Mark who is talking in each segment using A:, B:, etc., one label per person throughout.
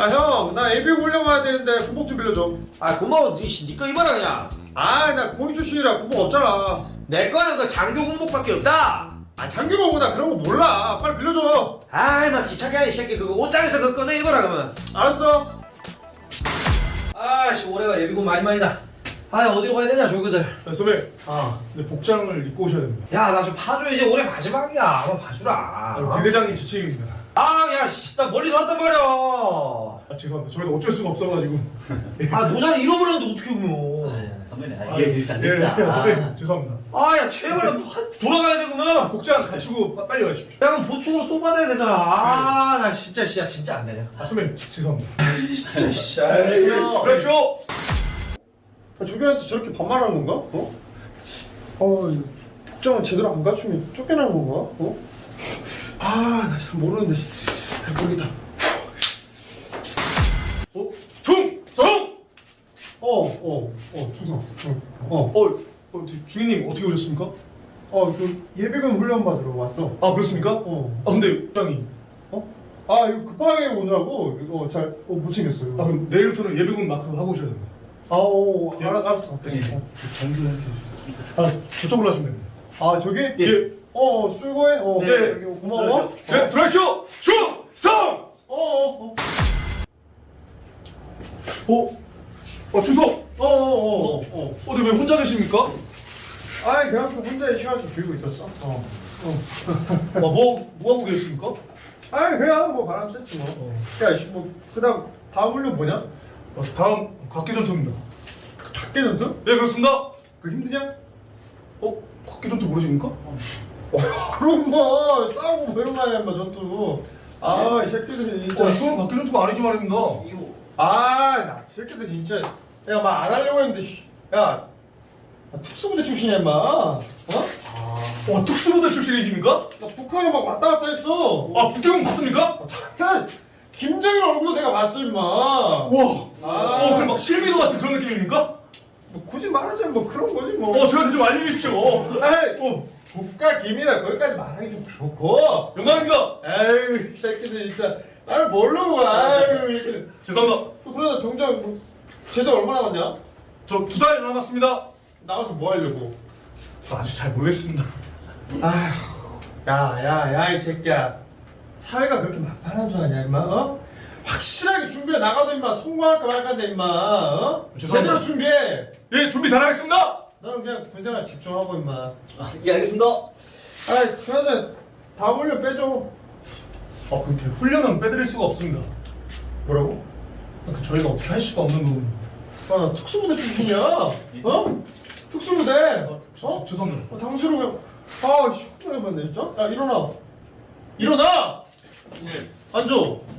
A: 아 형, 나 예비군 훈련 가야 되는데 군복 좀 빌려줘.
B: 아 고마워. 니거 입어라 그냥.
A: 아, 나 공익 출신이라 군복 없잖아.
B: 내 거는 그 장교 군복밖에 없다.
A: 아, 장교가 나 그런 거 몰라. 빨리 빌려줘.
B: 아이 막 귀찮게 하네 이 새끼. 그거 옷장에서 그거 꺼내 입어라 그러면.
A: 알았어.
B: 아씨 올해가 예비군 많이다. 아 어디로 가야 되냐 조교들.
C: 선배,
B: 아.
C: 근데 복장을 입고 오셔야 됩니다.
B: 야 나 좀 봐줘. 이제 올해 마지막이야. 한번 봐주라.
C: 대대장님 지침입니다.
B: 아야 씨 나 멀리서 왔단 말이야.
C: 아, 죄송합니다. 저희도 어쩔 수가 없어가지고.
B: 아 모자는 잃어버렸는데 어떻게 보면.
D: 선배님 이해해 주시면 안
C: 예,
D: 됩니다.
C: 선배 죄송합니다.
B: 아야 제발 돌아가야 되구나.
C: 복장 갖추고 빨리 가십시오.
B: 야 그럼 보충으로 또 받아야 되잖아. 아 나 진짜 씨야 진짜 안 되냐.
C: 아, 선배님 죄송합니다.
B: 진짜 씨.
C: 그렇죠.
A: 아, 조교한테 저렇게 반말하는 건가? 어? 이거 복장은 제대로 안 갖추면 쫓겨나는 건가? 어? 아, 나 잘 모르는데. 아, 모르겠다.
C: 충성.
A: 충성.
C: 주인님 어떻게 오셨습니까?
A: 그 예비군 훈련 받으러 왔어.
C: 아 그렇습니까? 아 근데 복장이.
A: 이거 급하게 오느라고 이거 잘 못 챙겼어요.
C: 아 그럼 내일부터는 예비군 마크 하고 오셔야 됩니다.
A: 알았어.
C: 아 저쪽으로 하시면 됩니다.
A: 저기?
C: 예.
A: 수고해.
C: 네.
A: 고마워.
C: 네, 들어가시오. 충성. 충성. 근데 왜 혼자 계십니까?
A: 그냥 좀 혼자 시간 좀 줄이고 있었어.
C: 뭐 하고 계십니까?
A: 그냥 뭐 바람 쐈지 뭐. 그다음 다음 훈련 뭐냐?
C: 다음 각계전투입니다.
A: 각계전투?
C: 네 그렇습니다.
A: 그 힘드냐?
C: 각계전투 모르십니까?
A: 그럼 뭐 싸우고 뭐 이런 거 아니야, 뭐 전투. 이 새끼들이 진짜.
C: 이건 각계전투가 아니지 말입니다.
A: 나 이 새끼들 진짜. 야, 막 안 하려고 했는데. 야, 나 특수부대 출신이야, 임마.
C: 특수부대 출신이십니까?
A: 나 북한에 막 왔다 갔다 했어.
C: 북경은 봤습니까?
A: 야, 김정일 얼굴도 내가 봤어, 임마.
C: 와. 그럼 막 실비도 같은 그런 느낌입니까?
A: 뭐 굳이 말하자면 뭐 그런 거지 뭐.
C: 저한테 좀 알려주십시오.
A: 국가 기밀이라 거기까지 말하기 좀 그렇고.
C: 영광입니다.
A: 이 새끼들 진짜 나를 모르고. 이렇게.
C: 죄송합니다.
A: 또 그러다 병장 뭐, 제대 얼마 남았냐?
C: 저 2달 남았습니다.
A: 나가서 뭐 하려고?
C: 저 아직 잘 모르겠습니다.
A: 이 새끼야. 사회가 그렇게 만만한 줄 아냐, 임마? 확실하게 준비해 나가서 임마 성공할까 말까인데 임마.
C: 죄송합니다.
A: 제대로 준비해.
C: 예, 준비 잘하겠습니다.
A: 너는 그냥 군생활 집중하고 임마.
D: 예 알겠습니다.
A: 그나저나 다음 훈련 빼줘.
C: 근데 훈련은 빼드릴 수가 없습니다.
A: 뭐라고?
C: 저희가 어떻게 할 수가 없는 부분.
A: 나 특수부대 출신이야. 특수부대.
C: 죄송합니다.
A: 당시로 그냥. 혼나해봤네 진짜. 야, 일어나. 앉아.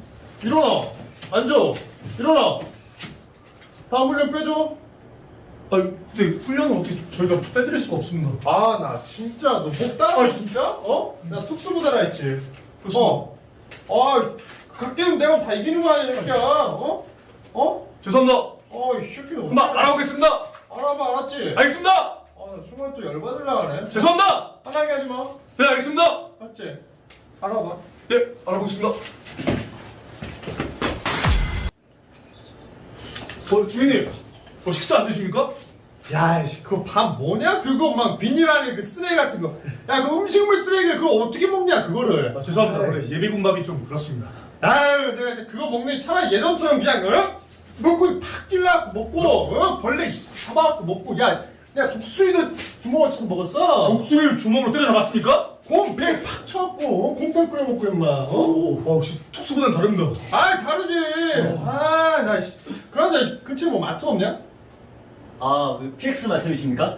A: 일어나. 다음 훈련 빼줘.
C: 근데 훈련은 어떻게 저희가 빼드릴 수가 없습니다.
A: 나 진짜 너 목 따라 진짜? 나 특수부대라 했지.
C: 그렇습니다.
A: 각계는 내가 다 이기는 거 아니야, 새끼야.
C: 죄송합니다.
A: 이 새끼들.
C: 금방 알아보겠습니다.
A: 알아봐, 알았지?
C: 알겠습니다.
A: 나 순간 또 열받으려 하네.
C: 죄송합니다.
A: 화나게 하지 마.
C: 네, 알겠습니다.
A: 알았지? 알아봐.
C: 네, 알아보겠습니다. 주인님, 식사 안 드십니까?
A: 야, 그거 밥 뭐냐? 그거 막 비닐 안에 그 쓰레기 같은 거. 야, 그 음식물 쓰레기를 그거 어떻게 먹냐, 그거를.
C: 죄송합니다. 원래 예비군 밥이 좀 그렇습니다.
A: 내가 이제 그거 먹는 게 차라리 예전처럼 그냥, 먹고 팍 찔러갖고 먹고, 벌레 잡아갖고 먹고, 야, 내가 독수리도 주먹을 쳐서 먹었어.
C: 목수를 주먹으로 때려잡았습니까?
A: 곰 배 팍 쳐갖고, 곰탕 끓여 먹고, 임마.
C: 역시 특수부대는 다릅니다.
A: 다르지. 그러자 근처에 뭐 마트 없냐?
D: 그 PX 말씀이십니까?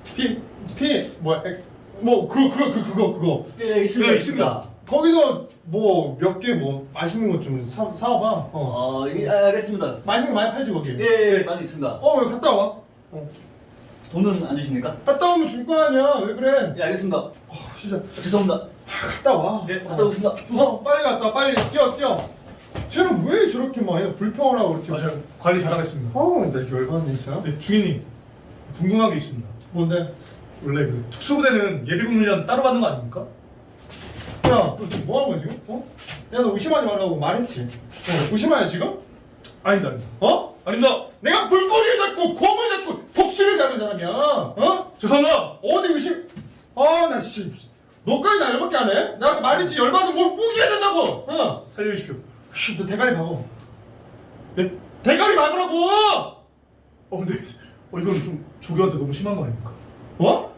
A: 그거.
D: 예 있습니다.
C: 네,
D: 있습니다.
A: 거기서 뭐 몇 개 뭐 맛있는 거 좀 사와봐.
D: 알겠습니다.
A: 맛있는 거 많이 팔지 거기.
D: 예 많이 있습니다.
A: 왜 갔다 와?
D: 돈은 안 주십니까?
A: 갔다 오면 줄 거 아니야. 왜 그래?
D: 예 알겠습니다.
A: 진짜
D: 죄송합니다.
A: 갔다 와.
D: 예 갔다 오겠습니다.
A: 빨리 갔다 와. 빨리 뛰어. 쟤는 왜 저렇게 막 불평을 하고 이렇게.
C: 맞아요. 관리 잘하겠습니다.
A: 나 열받네 진짜.
C: 네, 주인님, 궁금한 게 있습니다.
A: 뭔데?
C: 원래 그 특수부대는 예비군 훈련 따로 받는 거 아닙니까?
A: 야, 너 지금 뭐 하는 거야 지금? 야, 너 의심하지 말라고 말했지. 의심하냐 지금?
C: 아닙니다, 아닙니다.
A: 어?
C: 아닙니다.
A: 내가 물고기를 잡고 곰을 잡고 독수리를 잡은 사람이야. 어?
C: 죄송합니다.
A: 어디 의심? 아, 나 씨. 너까지 나 열받게 안 해? 내가 아까 말했지, 열받으면 뭘 무기해야 된다고. 어?
C: 살려주십시오.
A: 씨, 너 대가리 박어. 네? 대가리 박으라고!
C: 근데 이건 좀 조교한테 너무 심한 거 아닙니까?
A: 뭐?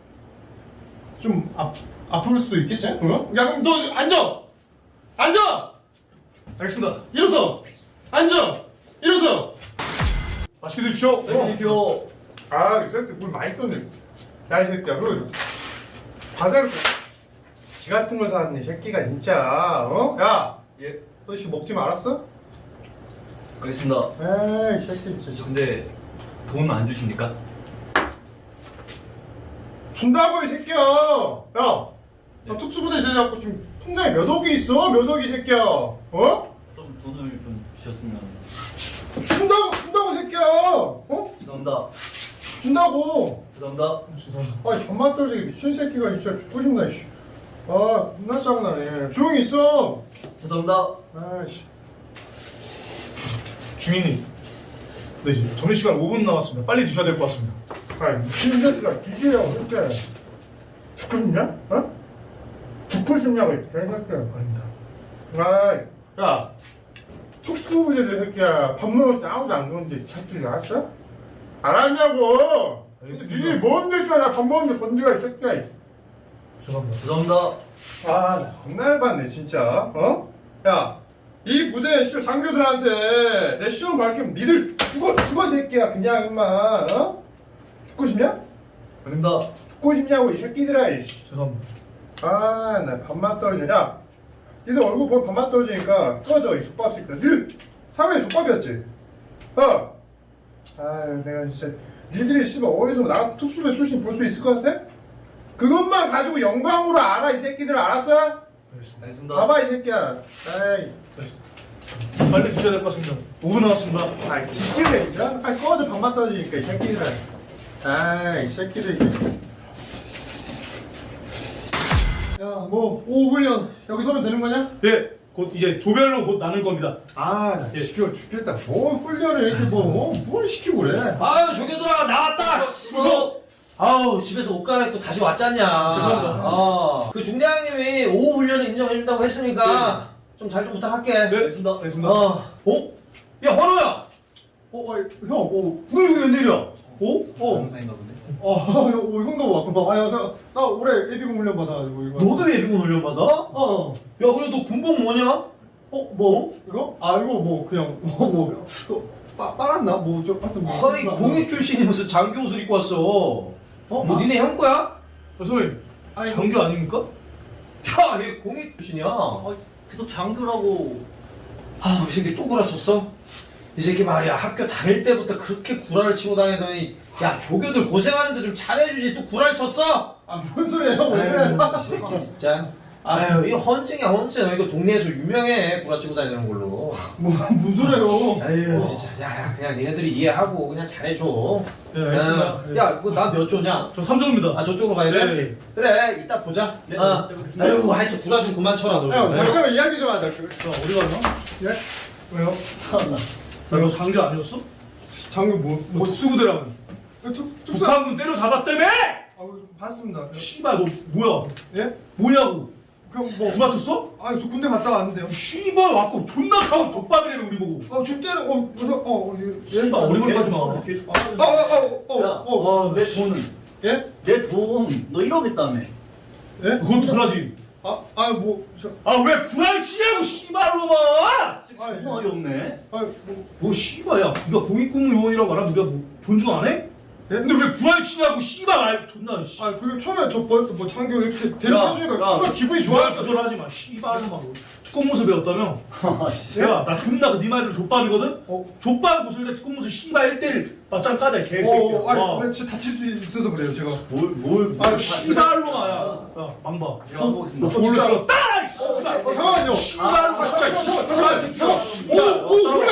A: 좀 아플 수도 있겠지? 어? 야, 그럼 너 앉아! 앉아!
C: 알겠습니다.
A: 일어서! 앉아! 일어서!
C: 맛있게 드십시오.
D: 드십시오.
A: 아, 이 새끼 물 많이 떴네. 야, 이 새끼야, 그래. 과자를 지 같은 걸 사왔네, 이 새끼가 진짜. 어? 야!
D: 예.
A: 너 씨 먹지 말았어?
D: 알겠습니다.
A: 에이, 이 새끼 진짜.
D: 근데 돈 안 주십니까?
A: 준다고, 이 새끼야! 야! 나 특수부대 제대하고 지금 통장에 몇 억이 있어? 몇 억이, 이 새끼야! 어?
D: 좀 돈을 좀 주셨으면.
A: 준다고, 이 새끼야! 어?
D: 죄송합니다.
A: 준다고!
D: 죄송합니다.
C: 죄송합니다.
A: 아이, 밥맛 떨어지게 미친 새끼가 진짜 죽고 싶나, 씨. 아, 겁나 짜증나네. 조용히 있어!
D: 죄송합니다.
A: 아이씨.
C: 중인님. 네, 이제 점심시간 5분 남았습니다. 빨리 드셔야 될 것 같습니다.
A: 아이, 미친 새끼가 기계야, 어떡해. 죽고 싶냐? 어? 죽고 싶냐고, 이 개새끼야.
C: 아닙니다.
A: 아이, 야. 축구부대들 새끼야. 밥 먹을 때 아무도 안 건데, 자투리 알았어? 알았냐고!
C: 알겠습니다.
A: 니네 뭔데, 나밥 먹는데 건드가, 이 새끼야.
C: 죄송합니다.
D: 죄송합니다.
A: 아, 나 겁나 열받네, 진짜. 어? 야, 이 부대 씨 장교들한테 내 시험 밝히면 니들 죽어, 새끼야. 그냥, 임마. 어? 죽고 싶냐?
D: 아닙니다.
A: 죽고 싶냐고, 이 새끼들아, 이씨.
C: 죄송합니다.
A: 아, 나 밥맛 떨어지네. 야, 니들 얼굴 보면 밥맛 떨어지니까 꺼져, 이 족밥 새끼들. 니들 사회에 족밥이었지? 어? 아, 내가 진짜. 니들이 씨발 어디서 나 같은 특수배 출신 볼 수 있을 것 같아? 그것만 가지고 영광으로 알아, 이 새끼들. 알았어?
C: 알겠습니다.
D: 알겠습니다.
A: 봐봐, 이 새끼야. 에이.
C: 빨리 드셔야 될 것 같습니다. 5분 남았습니다.
A: 아, 뒤질래, 진짜? 빨리 꺼져, 밥맛 떨어지니까, 이 새끼들. 아이, 새끼들. 야, 뭐, 오후 훈련 여기서 하면 되는 거냐?
C: 예, 곧 이제 조별로 곧 나눌 겁니다.
A: 아, 나 지겨워 죽겠다. 뭐 훈련을 이렇게 뭘 시키고 그래?
B: 아유 조교들아 나왔다.
C: 무서워.
B: 아우 집에서 옷 갈아입고 다시 왔잖냐.
C: 죄송합니다.
B: 그 중대장님이 오후 훈련을 인정해준다고 했으니까 좀 잘 좀 부탁할게.
C: 네,
D: 알겠습니다.
C: 알겠습니다.
B: 야 헌호야.
A: 형,
B: 너 여기 웬일이야?
D: 영상인가 본데.
A: 형도 왔구나. 아, 야, 나 올해 예비군 훈련 받아가지고 이거.
B: 너도 예비군 훈련 받아?
A: 어.
B: 야 그래 너 군복 뭐냐?
A: 뭐? 이거? 아, 이거 뭐 그냥 빨았나? 뭐 좀 하여튼 뭐.
B: 아니 공익 출신이 무슨 장교 옷을 입고 왔어. 뭐
A: 아.
B: 니네 형 거야?
C: 선생님,
A: 아니,
C: 장교 아닙니까?
B: 야, 얘 공익 출신이야.
D: 계속 장교라고.
B: 아, 이 새끼 또 구라쳤어? 이 새끼 말이야, 학교 다닐 때부터 그렇게 구라를 치고 다니더니, 야, 조교들 고생하는데 좀 잘해주지, 또 구라를 쳤어?
A: 뭔 소리야, 왜 그래?
B: 아유, 이 새끼 진짜. 아유, 이거 헌증이야, 헌증. 이거 동네에서 유명해, 구라 치고 다니는 걸로.
A: 뭔 소리예요?
B: 아유, 진짜. 야, 그냥 니네들이 이해하고 그냥 잘해줘.
C: 네, 알겠습니다. 네.
B: 야, 뭐 나 몇 조냐?
C: 저 3조입니다.
B: 아, 저쪽으로 가야 돼?
C: 네.
B: 그래, 이따 보자.
D: 네,
B: 아.
D: 네, 뵙겠습니다.
B: 아유, 하여튼 구라 좀 그만 쳐라, 너.
A: 형,
B: 좀.
A: 잠깐만 이야기 좀 하자.
C: 자, 어디 갔나?
A: 예? 왜요?
C: 너 장교 아니었어?
A: 장교
C: 뭐 특수부대라면
A: 특수.
C: 북한군 때려 잡았다며?
A: 봤습니다.
C: 씨발 너 뭐야?
A: 예?
C: 뭐냐고?
A: 그럼
C: 누가 쳤어?
A: 저 군대 갔다 왔는데요.
C: 씨발 왔고 존나 가고 족밥이래며 우리 보고.
A: 저 때는
C: 씨발 어리버리하지 마.
D: 내 돈은?
A: 예?
D: 내 돈. 너 1억 있다며.
A: 예?
C: 그건 구라지.
A: 뭐,
C: 왜 구라를 치냐고 씨발로만.
D: 정말 어이없네.
C: 뭐 씨발야. 네가 공익근무요원이라고 말하면 네가 뭐 존중 안 해?
A: 예?
C: 근데 왜 구라를 치냐고 씨발 존나 씨.
A: 그게 처음에 저 뭐 장교 이렇게 대접해주니까 정말 기분이 좋았어.
C: 주절하지 마 씨발로만. 특공무술 배웠다며?
D: 아씨.
C: 야, 나 존나 네 말대로 족밥이거든?
A: 어.
C: 족밥 무술대 특공무술 씨발 1대1 맞짱 까자 이 개새끼야.
A: 근데 진짜 다칠 수 있어서 그래요, 제가.
D: 뭘.
C: 씨발로만 야 망봐.
D: 제가 보겠습니다.
C: 뭘로
A: 진짜.
C: 써? 따이!
A: 잠깐만요.
C: 씨발로만 진짜.
A: 잠깐만. 오, 몰라.